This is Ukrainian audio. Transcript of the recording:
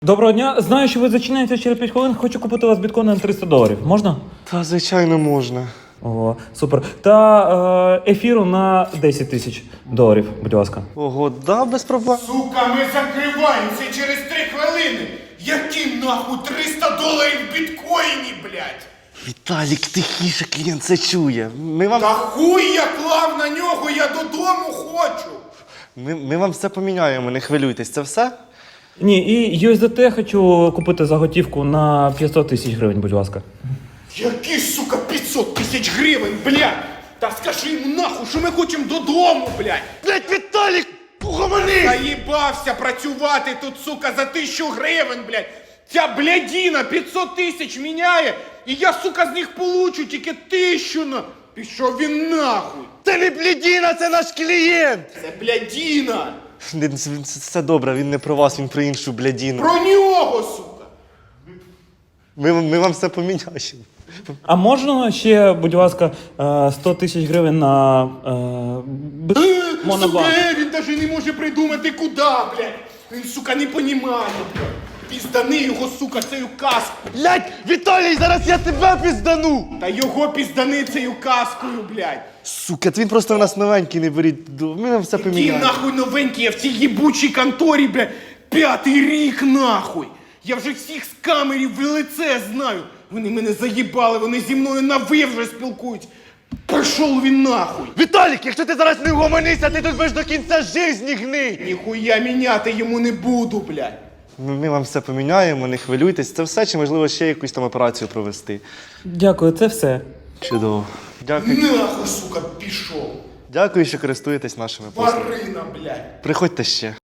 Доброго дня. Знаю, що ви зачиняєтеся через 5 хвилин. Хочу купити у вас біткоїни на $300. Можна? Та, звичайно, можна. О, супер. Та ефіру на $10 000, будь ласка. Ого, да, без проблем. Сука, ми закриваємося через 3 хвилини. Які нахуй $300 в біткоїні, блядь? Віталік, тихіше, клієнт це чує. Та хуй я клав на нього, я додому хочу. Ми вам все поміняємо, не хвилюйтесь, це все? Ні, і USDT хочу купити за готівку на 500 000 гривень, будь ласка. Які, сука, 500 000 гривень, блядь? Та скажи йому нахуй, що ми хочемо додому, блядь. Блять, Віталік, погомони! Заїбався працювати тут, сука, за 1000 гривень, блядь. Ця блядіна 500 000 міняє, і я, сука, з них получу тільки 1000 на... Пішов він нахуй. Це не блядіна, це наш клієнт! Це блядіна. Все добре, він не про вас, він про іншу блядіну. Про нього, сука. Ми вам все поміняємо. А можна ще, будь ласка, 100 000 гривень на монобанк? Сука, він навіть не може придумати куди, блядь. Він, сука, не понімає, блядь. Піздани його, сука, цією каскою. Блять, Віталій, зараз я тебе піздану! Та його піздани цією каскою, блядь. Сука, він просто у нас новенький, не беріть. Ми вам все Які поміняємо. нахуй новенькі, я в цій їбучій конторі, блядь, 5-й рік, нахуй. Я вже всіх з камерів в лице знаю. Вони мене заїбали, вони зі мною на ви вже спілкуються. Пішов він нахуй. Віталік, якщо ти зараз не угомонишся, ти тут будеш до кінця житті гнить! Ніхуя міняти йому не буду, блядь. Ми вам все поміняємо, не хвилюйтесь. Це все, чи можливо ще якусь там операцію провести. Дякую, це все. Чудово. Дякую. Нахуй, сука, пішов. Дякую, що користуєтесь нашими послугами. Тварина, блядь. Приходьте ще.